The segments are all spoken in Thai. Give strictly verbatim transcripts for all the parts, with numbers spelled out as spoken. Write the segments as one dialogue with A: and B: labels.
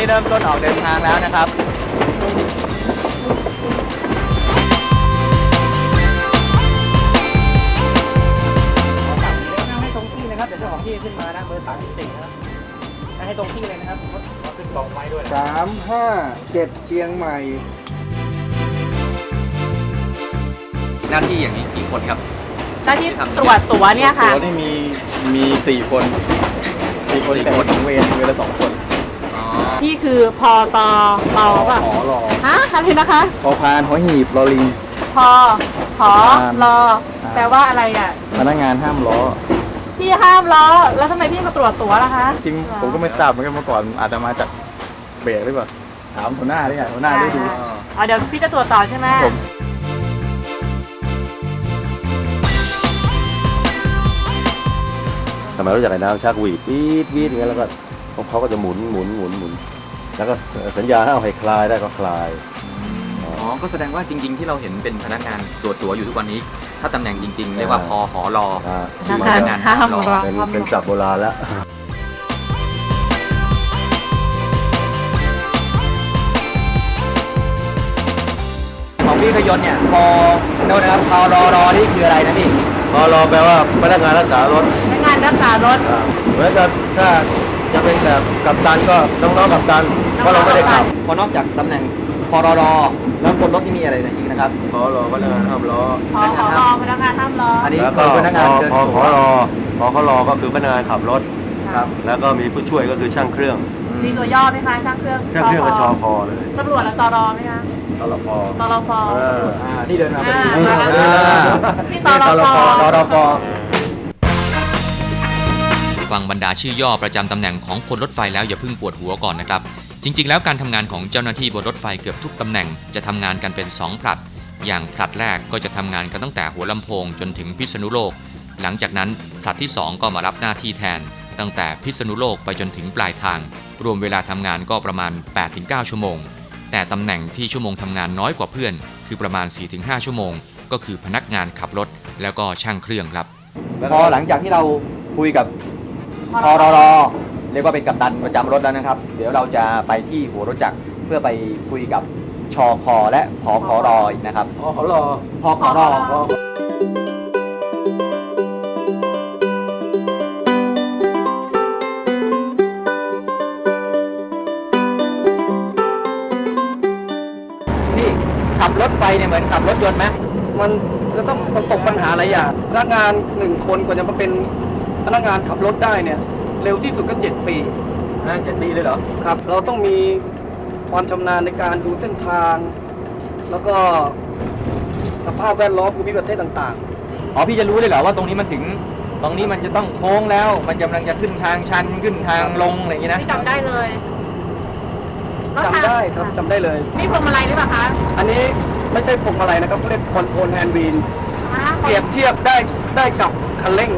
A: เริ่มต้นออกเดินทางแล้วนะครับนั่งให้ตรงที่นะครับเดี๋ยวเจ้าของที่ขึ้นมานะเบอร์สามสิบสี่นะครับนั่งให้ตรงที่เลยนะครับเขาขึ้นกล่องไว้ด้วย
B: สามห้าเจ็ดเชียงใหม่
A: หน้าที่อย่างนี้กี่คนครับ
C: หน้าที่ตรวจตั๋วเนี่ยค่ะ
B: ตัวนี่มีมีสี่คนสี่คนแต่ถึงเวรเวรละสองคน
C: ที่คือพอตอรอป่ะ
B: หอรอ
C: ฮะอะไรนะคะ
B: พอพานหอหีบรอลิง
C: พอขอรอแปลว่าอะไรอ่ะ
B: พนักงานห้ามล้อ
C: พี่ห้ามล้อแล้วทำไมพี่มาตรวจตั๋วล่ะคะ
B: จริงผมก็ไม่ทราบเหมือนกันเมื่อก่อนอาจจะมาจากเบรกหรือเปล่าถามหัวหน้าได้ไงหัวหน้าได้ดู
C: อ๋อเดี๋ยวพี่จะตรวจต่อใช่ไหม
B: ผม
D: ทำไมรู้จักไอ้น้ำชักหวีดวีดวีดอย่างเงี้ยแล้วก็เขาก็จะหมุนหมุนหมุนหมุนแล้วก็สัญญาให้เอาให้คลายได้ก็คลาย
A: อ๋อก็แสดงว่าจริงๆที่เราเห็นเป็นพนักงานตรวจตั๋วอยู่ทุกวันนี้ ถ้าตำแหน่งจริงๆเรียกว่าพอหอรอ
D: อ่า
C: นะคะห้ามล้อ
D: เป็นเป็นศัพท์โบราณแล้ว
A: ของพี่ขยนต์เนี่ยพอโน่นนะครับพอรอรอนี่คืออะไรนะพี่
D: พอรอแปลว่าพนักงานรักษารถ
C: พนักงานรักษารถ
D: อ่าเหมือนกับถ้าจะเป็นแบบกัปตันก็น้องๆกัปตันเพราะเราไม่ได้ขับ
A: พอนอกจากตำแหน่งพอรอรอแล้วบนรถที่มีอะไรนะอีกนะครับ
D: พอรอพนักงานห้ามล้อ
C: ขอขอรอพนักงานห้ามล้อ
A: อันนี้
D: แล้วก็
A: คือพนักงาน
D: พอ
A: เดิน
D: พอ
A: ตั๋
D: ข
A: ว
D: อรอพอเขารอก็คือพนักงานขับรถ
A: ครับ
D: แล้วก็มีผู้ช่วยก็คือช่างเครื่อง
C: มีตัวย่อไหมคะช่างเครื่อง
D: ช่างเครื่องก็ชอคอเลย
C: ตำรวจและตรไหมคะ
D: ตลพอ
C: ตรฟ
D: เออ
A: อ่านี่เดินมาพอดี
C: อ่า
A: อ่า
C: นี่ตรฟ
A: รอรอฟอ
E: ฟังบรรดาชื่อย่อประจำตำแหน่งของคนรถไฟแล้วอย่าเพิ่งปวดหัวก่อนนะครับ จริงๆแล้วการทำงานของเจ้าหน้าที่บนรถไฟเกือบทุกตำแหน่งจะทำงานกันเป็นสองผลัด อย่างผลัดแรกก็จะทำงานกันตั้งแต่หัวลำโพงจนถึงพิษณุโลก หลังจากนั้นผลัดที่สองก็มารับหน้าที่แทน ตั้งแต่พิษณุโลกไปจนถึงปลายทาง รวมเวลาทำงานก็ประมาณ แปดถึงเก้า ชั่วโมง แต่ตำแหน่งที่ชั่วโมงทำงานน้อยกว่าเพื่อน คือประมาณ สี่ถึงห้า ชั่วโมง ก็คือพนักงานขับรถแล้วก็ช่างเครื่องครับ
A: พอหลังจากที่เราคุยกับพอรอรอเรียกว่าเป็นกัปตันประจำรถแล้วนะครับ เดี๋ยวเราจะไปที่หัวรถจักรเพื่อไปคุยกับชอคอและผอขอรออีกนะครับ
D: พอเขารอ
A: พอขอรอ
D: พอ
A: พี่ขับรถไฟเนี่ยเหมือนขับรถยนต์ไหม
B: มันจะต้องประสบปัญหาหลายอย่างพนักงานหนึ่งคนกว่าจะมาเป็นพนักงานขับรถได้เนี่ยเร็วที่สุดก็เจ็ดปี
A: อ่าเจ็ดปีเลยเหรอ
B: ครับเราต้องมีความชำนาญในการดูเส้นทาง แล้วก็สภาพแวดล้อมภูมิประเทศต่าง
A: อ๋อพี่จะรู้เลยเหรอว่าตรงนี้มันถึงตรงนี้มันจะต้องโค้งแล้ว มันกำลังจะขึ้นทางชันขึ้นทางลงอะไรอย่างนี้นะ
C: พี่จำได้เลยแล้ว
B: ๆจำได้ครับจำได้เลย
C: นี่พวงมาลัยหรือเปล่าคะ
B: อันนี้ไม่ใช่พวงมาลัยนะครับเขาเรียกคอนโทรลแฮนด์วีล
C: อ่า
B: เปรียบเทียบได้ได้กับคันเร่ง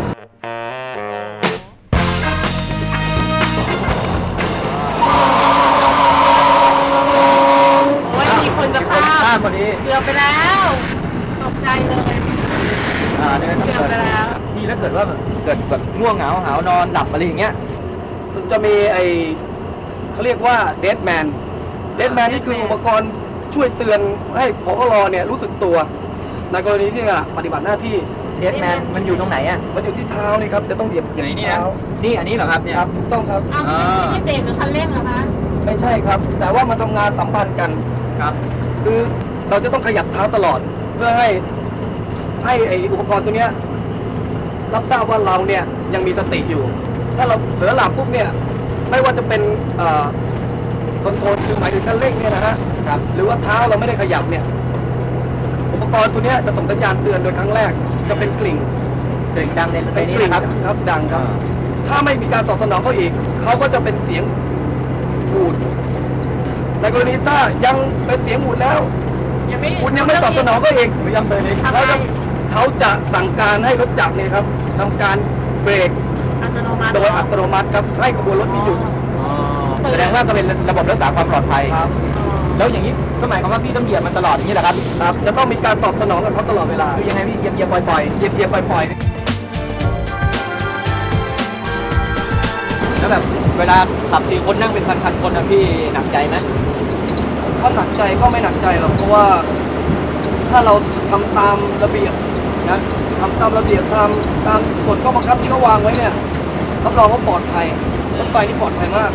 C: โอ้ยมีคนจะพลา
A: พลา
C: ด
A: ดพอดี
C: เกือบไปแล้วตกใจเลย
A: อ่าเนี่ย
C: เกือบไปแล้ว
A: พี่แล้วเกิดว่าเกิดแบบง่วงเหงาหาวนอนหลับอะไรอย่างเงี้ย
B: จะมีไอเขาเรียกว่าเดดแมนเดดแมนนี่คืออุปกรณ์ช่วยเตือนให้ผอรเนี่ยรู้สึกตัว ในกรณีที่ปฏิบัติหน้าที่
A: เดดแมนมันอยู่ตรงไหนอ่ะ
B: มันอยู่ที่เท้านี่ครับจะต้องเหยียบเหยียบ
A: ไหนนี่นะ
B: เท้า
A: นี่อันนี้เหรอครับเนี่ย
B: ครับถูกต้องครับ
C: อ้าวไม่ใช่เบรกหรือคันเร่งเหรอคะ
B: ไม่ใช่ครับ แต่ว่ามันทำงานสัมพันธ์กัน
A: ครับ
B: คือเราจะต้องขยับเท้าตลอด เพื่อให้ให้ไออุปกรณ์ตัวเนี้ยรับทราบว่าเราเนี่ยยังมีสติอยู่ ถ้าเราเผลอหลับปุ๊บเนี่ยไม่ว่าจะเป็นคอนโทรลคือหมายถึงคันเร่งเนี่ยนะฮะ
A: ครับ
B: หรือว่าเท้าเราไม่ได้ขยับเนี่ยอุปกรณ์ตัวเนี้ยจะส่งสัญญาณเตือนโดยครั้งแรกจะเป็นกลิ่ง
A: เสียงดังในใน
B: เป็น
A: นี้
B: กลิ่ง
A: นะครับ
B: ครับดังครับ ถ้าไม่มีการตอบสนองเขาอีกเขาก็จะเป็นเสียงบูดในกรณีถ้ายังเป็นเสียงบูดแล้ว
C: ยังไม่
B: คุณยังไม่ตอบสนองก็อีก
A: พยายามเดินเลย
C: ทำไม
B: เขาจะเขาจะสั่งการให้รถจักรเนี่ยครับทำการเบรก
C: อัตโนมัติ
B: โดยอัตโนมัติครับให้ขบวนรถนี้หยุด
A: อ๋อแสดงว่าก็เป็นระบบรักษาความปลอดภัย
B: ครับ
A: แล้วอย่างนี้ก็หมายความว่าพี่ต้องเหยียบมันตลอดอย่างนี้แหละครับ
B: ครับจะต้องมีการตอบสนองกับเขาตลอดเวลา
A: คือยังไงพี่เหยียบเหยียบปล่อยปล่อยเหยียบเหยียบปล่อยปล่อยแล้วแบบเวลาขับสี่คนนั่งเป็นพันๆคนนะพี่หนักใจไหม
B: ถ้าหนักใจก็ไม่หนักใจหรอกเพราะว่าถ้าเราทำตามระเบียบนะทำตามระเบียบตามตามกฎข้อบังคับที่เขาวางไว้เนี่ยรับรองว่าปลอดภัยรถไฟที่ปลอดภัยมาก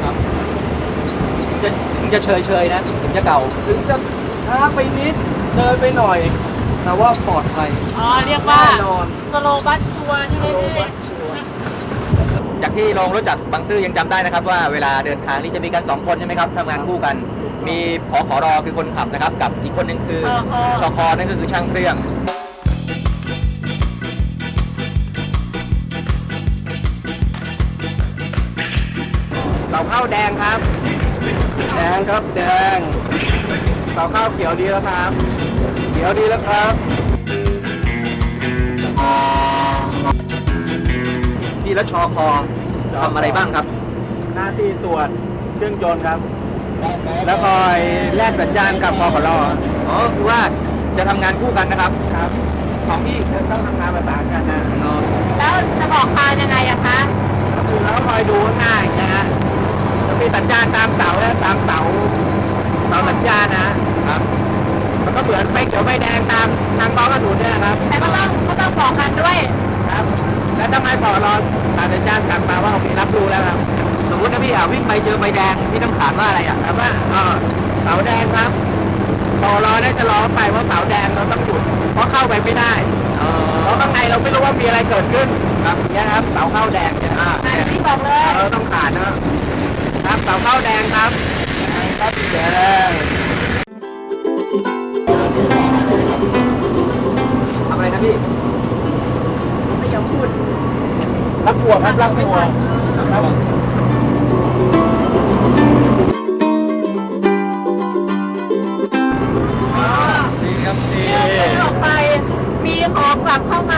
A: จะถึงจะเชยเชยๆนะถึงจะเก่า
B: ถึงจะช้าไปนิดเดินไปหน่อย แต่ว่าปลอดภัย
C: อ๋อเรียกว่า
B: แน่นอน
C: สโลบัสทัวร์ใช่ไหมพี่
A: จากที่ลงรถจากบางซื่อยังจำได้นะครับว่าเวลาเดินทางนี่จะมีกันสองคนใช่ไหมครับทำงานคู่กัน มีผอขอรอคือคนขับนะครับกับอีกคนหนึ่งคือชคนั่นก็คือช่างเครื่องเสาเข้าแดงครับ
B: แดงครับแดงเสาข้าวเขียวดีแล้วครับเขียวดีแล้วครับ
A: พี่และชคทำอะไรบ้างครับ
B: หน้าที่ตรวจเครื่องยนต์ครับ แล้วคอยแลกสัญญาณกับพขร
A: อ๋อคือว่าจะทำงานคู่กันนะครับ
B: ครับของพี่ต้องทำงานประสานกันนะ
C: แล้วจะบอกทางยังไงอะคะ
B: ก็คือเราคอยดูข้างหน้าอีกนะฮะจะมีสัญญาณตามเสาและตามเสาเสาสัญญาณนะครับมันก็เหมือนไฟเขียวไฟแดงตามทางบ้องกระหนุนเนี่ยนะครับ
C: แต่ก็ต้องก็ต้องบอกกันด้วย
B: ครับ แล้วทำไมพอรอสายสัญญาณกลับมาว่าโอเครับรู้แล้วครับ
A: สมมตินะพี่อ่ะวิ่งไปเจอไฟแดงพี่ต้องถามว่าอะไรอ่ะ
B: ถามว่าอ่าเสาแดงครับพอรอได้จะรอไปว่าเสาแดงเราต้องหยุดเพราะเข้าไปไม่ได้ เพราะข้างในเราไม่รู้ว่ามีอะไรเกิดขึ้นครับอย่างเงี้ยครับเสาเข้าแดงเนี่ยอ่า
C: อ่ะพี่บอกเลย
B: เราต้องผ่านนะครับเสาเข้าแดงครับครับแดง
A: ทำอะไรนะพี่
C: ไม่ยอมพูด
B: รับหัวครับรับหัวครับ
A: ดีครับดี
C: เดินออกไป มีของกลับเข้ามา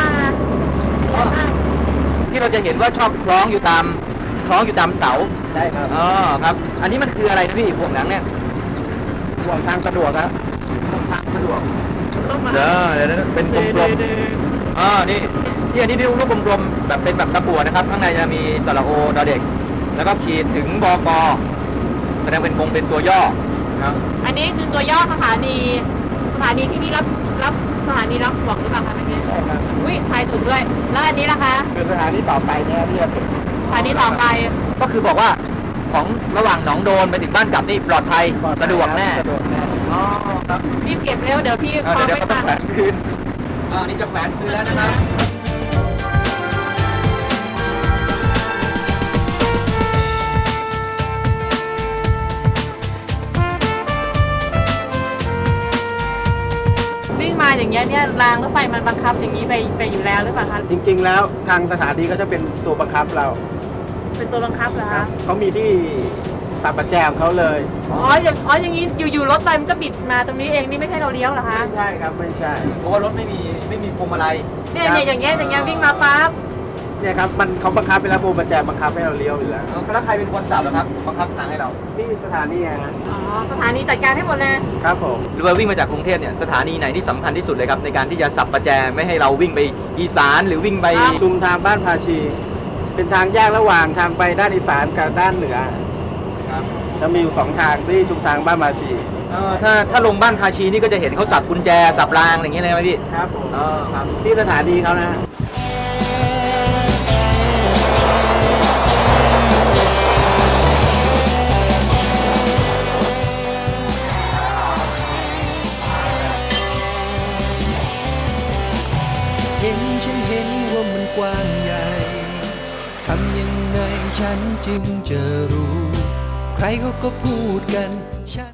A: ที่เราจะเห็นว่าชอบคล้องอยู่ตามคล้องอยู่ตามเสา
B: ได้ครับ
A: อ๋อครับ อันนี้มันคืออะไรนะพี่พวกหนังเนี่ย
B: ห่วงทางสะดวกครับ
A: ทางสะดวก
C: ต้องมา
A: เด้อเดี๋ยวนะเป็นกลมๆอ๋อนี่ที่อันนี้ดูลูกกลมๆแบบเป็นแบบตะกั่วนะครับ ข้างในจะมีสระโอดอเด็ก แล้วก็ขีดถึงบกแสดงเป็นกงเป็นตัวย่อครับ
C: อันนี้คือตัวย่อสถานี สถานีที่นี่รับรับสถานีรับห่วงหรือเปล่าคะเมื่อกี้
B: ใช่ครับ
C: อุ้ยทายถูกด้วย แล้วอันนี้ล่ะคะ
B: คือสถานีต่อไปเนี่ยที่จะถึง
C: สถานีต่อไป
A: ก็คือบอกว่าของระหว่างหนองโดนไปถึงบ้านกลับนี่ปลอดภัยสะดวกแน่
B: สะดวกแน่
A: อ๋อครับ
C: รีบเก็บเร็ว เดี๋ยวพี่
A: เออ
C: คล้อง
A: เดี๋ยว
C: ไม่
A: เขาต้อ
C: ทั
A: ง
C: น
A: แขวนคืนอ่านี่จะแขวนคืนแล้วนะครับ
C: วิ่งมาอย่างเงี้ยเนี่ยรางรถไฟมันบังคับอย่างนี้ไปไปอยู่แล้วหรือเปล่าคะ
B: จริงๆแล้วทางสถานีก็จะเป็นตัวบังคับเรา
C: เป็นตัวบังคับเหรอ
B: ครั
C: คะ
B: บเขามีที่ตัดประแจของเขาเลย
C: อ๋ออย่างอ๋ออย่างนี้อยู่ๆรถไฟมันก็บิดมาตรงนี้เองนี่ไม่ใช่เราเลี้ยวเหรอคะ
B: ไม่ใช่ครับไม่ใช่
A: เพราะว่ารถไม่มีไม่มีพวงมาลัย
C: เนี่ยเนี่ยอย่างเงี้ยอย่างเงี้ยวิ่งมาปั๊บ
B: เนี่ยครับมันเขาบังคับไปแล้วพวงประแจบังคับให้เราเลี้ยวอยู่แล้ว
A: เออแล้วใครเป็นคนสับเหรอครับบังคับทางให้เรา
B: ที่สถานีฮะ
C: อ๋อสถานีจัดการให้หมดเลย
B: ครับผม
A: หรือว่าวิ่งมาจากกรุงเทพเนี่ยสถานีไหนที่สำคัญที่สุดเลยครับในการที่จะสับประแจไม่ให้เราวิ่งไปอีสานหรือวิ่งไป
B: ชุมทางบ้านภาชี เป็นทางแยกระหว่างทางไปด้านอีสานกับด้านเหนือ
A: ครับ
B: จะมีอยู่สองทางที่ชุมทางบ้านภาชี
A: เออถ้าถ้าลงบ้านภาชีนี่ก็จะเห็นเขาสับกุญแจสับรางอะไรอย่างเงี้ยเลยไหมพี่
B: ครับผม
A: อ๋อครับ
B: ที่สถานีเขานะฮะ
F: เห็นฉันเห็นว่ามันกว้างใหญ่ ทำยังไงฉันจึงจะรู้ ใครเขาก็พูดกันฉัน